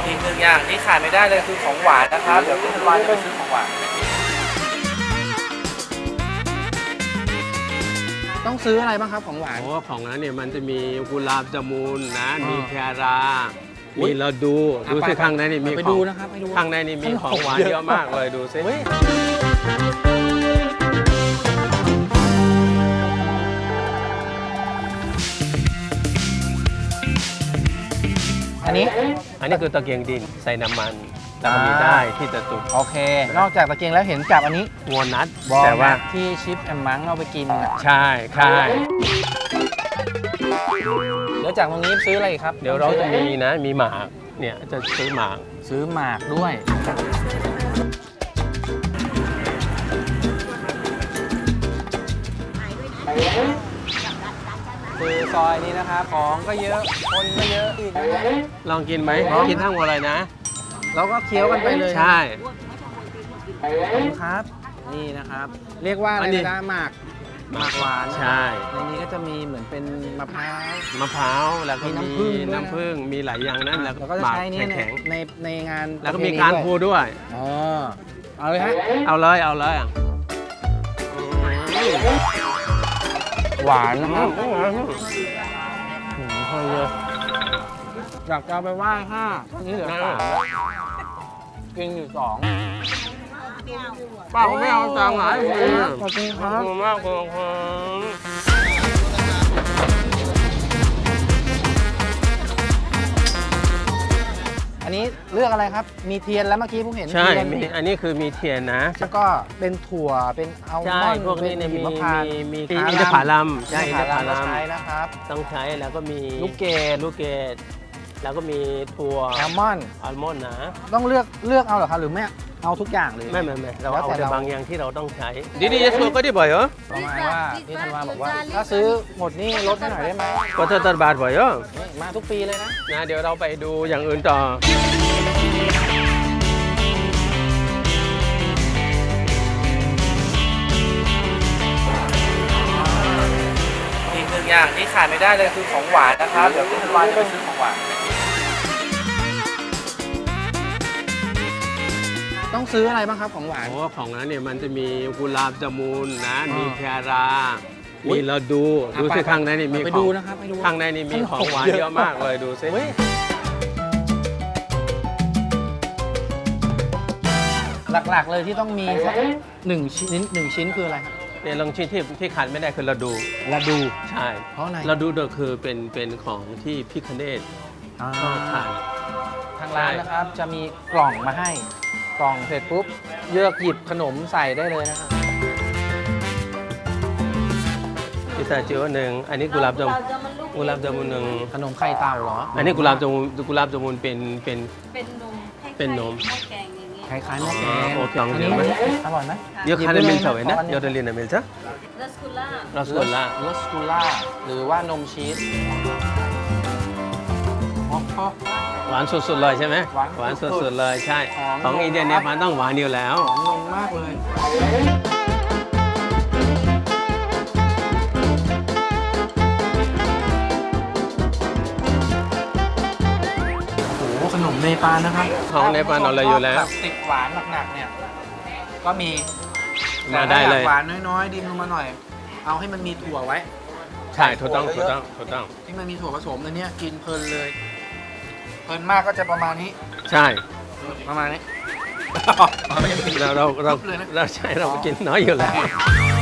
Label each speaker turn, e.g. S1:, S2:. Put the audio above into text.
S1: อีกหนึ่งอย่างที่ขาดไม่ได้เลยคือของหวานนะครับเดี๋ยวพี่ธันวาจะไปซื้อของหวานต้องซื้ออะไรบ้างครับของหวาน
S2: โอ้ของนั้นเนี่ยมันจะมีกุหลาบจามูนนะมีแครามีเราดูสิข้างในนี่มี
S1: ไป
S2: ขอ
S1: ดู
S2: ง
S1: นะครับไปดู
S2: ข้างในนี่มีของหวานเยอะมากเลยดูสิ
S1: เฮ้ยอันนี้
S2: คือตะเกียงดินใส่น้ำมันแล้วก็มีได้ที่จะจุด
S1: โอเค นอกจากตะเกียงแล้วเห็นจับอันนี้
S2: วอลนัท
S1: บอล
S2: แต่ว่า
S1: ที่ชิปแอมมังเอาไปกิน
S2: ใช่ใช่
S1: เดี๋ยวจากตรงนี้ซื้ออะไรอีกครับ
S2: เดี๋ยวเราจะมีนะมีหมากเนี่ยจะซื้อหมาก
S1: ซื้อหมากด้วยคือซอยนี้นะครับของก็เยอะคนก็เยอะอีก
S2: ลองกินไหมกินทั้งหมดเลยนะ
S1: แล้วก็เคี้ยวกันไปเลย
S2: ใช่
S1: ครับนี่นะครับ เรียกว่าอะไรนะหมากหวาน
S2: ใช่
S1: ในนี้ก็จะมีเหมือนเป็นมะพร้าว
S2: มะพร้าวแล้วก็
S1: มี
S2: มี
S1: น้ำผึ้งด้วยนะ
S2: น้ำผึ้งมีหลายอย่างนั้นแล้ว
S1: แล้วก็จะ
S2: หมาก
S1: ใช้นี่
S2: แข็ง
S1: ในงาน
S2: ๆแล้วก็มีการพูด้วย
S1: อ๋อเอาเลยฮะ
S2: เอาเลยเอาเลย
S1: หวานนะครับคนเลยอยากจะเอาไปไหว้ห้าตอนนี้เหลือสามแล้วกินอยู่สอง
S2: ป้าเขาไม่เอาตังค์หลายคน
S1: ขอบคุณค
S2: ขอบ
S1: รับ
S2: คุณมากขอบคุณ
S1: อันนี้เลือกอะไรครับ มีเทียนแล้วเมื่อกี้ผมเห็น
S2: ใช่
S1: เทียน
S2: มีอันนี้คือมีเทียนนะ
S1: แล้วก็เป็นถั่วเป็นอัลม
S2: ใช่
S1: อนด์
S2: พวกนี้เนี่ย
S1: เป็น
S2: มี
S1: หิมพานต์
S2: มี
S1: อิ
S2: อินทผลัมใช่
S1: อิ
S2: อิ
S1: น
S2: น
S1: ท
S2: ท
S1: ผ
S2: ผ
S1: ลัม
S2: ลัม
S1: ใช้นะครับ
S2: ต้องใช้แล้วก็มี
S1: ลูกเกด
S2: ลูกเกดแล้วก็มีถั่ว
S1: แอลมอนด์
S2: อัลมอนด์นะ
S1: ต้องเลือกเอาเหรอครับหรือไม่เอาทุกอย่างเลย
S2: ไม่เรา
S1: แล้ว
S2: เอา
S1: แต่
S2: แต่
S1: เรา
S2: บางอย่างที่เราต้องใช้ดีๆจะซื้อก็ได้บ่อยเหรอ
S1: ประมาณว่าพี่ธันวาบอกว่า ถ้าซื้อหมดนี่ลดให้หน่อยได้ไหม
S2: ก็จะตัดบาทบ่อยเหรอ
S1: นี่มาทุกปีเลยนะ
S2: นะเดี๋ยวเราไปดูอย่างอื่นต่ออีกหนึ่งอย่างที่ขาดไม่ได้เลยคือของหวานนะครับเดี๋ยวพี่ธันวาจะไปซื้อของหวาน
S1: ต้องซื้ออะไรบ้างครับของหวาน
S2: โอ้ของนั้นเนี่ยมันจะมีกุหลาบจามูนนะมีแครา
S1: อุ๊ย
S2: มีเราดูสิข้างในนี่มี
S1: ไป
S2: ข
S1: ดู
S2: อง
S1: นะครับไปดู
S2: ข้างในนี่มีของหวานเยอะมากเลยดูสิ
S1: เฮ้ยหลักๆเลยที่ต้องมีสักหนึ่งชิ้นคืออะไรครับ
S2: เนี่ยลองชิ้นที่ขาดไม่ได้คือเราดู
S1: ละดู
S2: ใช่
S1: เพราะอะไร
S2: เราดูเดอคือเป็นของที่พิคเนตชอบทาน
S1: ทางร้านนะครับจะมีกล่องมาให้กล่องเสร็จปุ๊บเลือกหยิบขนมใส่ได้เลยนะครับ
S2: พิซซ่าจิ๋วหนึ่งอันนี้กุหลาบจามุนหนึ่ง
S1: ขนมไข่เต่าเหรอ
S2: อันนี้กุหลาบจามุนเป็น
S3: เป็นนม
S2: เป็นนม
S3: หม้อแกงอย่างเงี้ย
S1: คล้ายๆหม้อแกง
S2: โอเคลอง
S1: อัน
S2: ดู
S1: นี้
S2: ไหม
S1: อร่อยไหม
S2: เดี๋ยวคาราเมลเฉยนะ
S1: ขออั
S2: เดี๋ยวเดลินเมลจ้ะ
S3: รัสกุล่า
S2: รสกุลล่าร
S1: สกุล่าหรือว่านมชีสอ๋อ
S2: หวานสุดๆเลยใช่ไหม
S1: หวานสุดๆ
S2: สุดๆเลยใช่
S1: หอม
S2: ของอินเดียเนี่ยมันต้องหวานอยู่แล้ว
S1: หอมนมมากเลยโอ้โหขนมเนปาลนะครับ
S2: ของเนปาลเอาเลยอยู่แล้ว
S1: แบบติดหวานหนักๆเนี่ยก็มี
S2: มาได้เลย
S1: แต่ถ้าอากหวานน้อยๆดิมลงมาหน่อย เอาให้มันมีถั่วไว้
S2: ใช่ถูกต้อง
S1: ที่มันมีถั่วผสมอันเนี้ยกินเพลินเลย เพลินมากก็จะประมาณนี้
S2: ใช่
S1: ประมาณนี้
S2: เราใช่เรากินน้อยอยู่แล้ว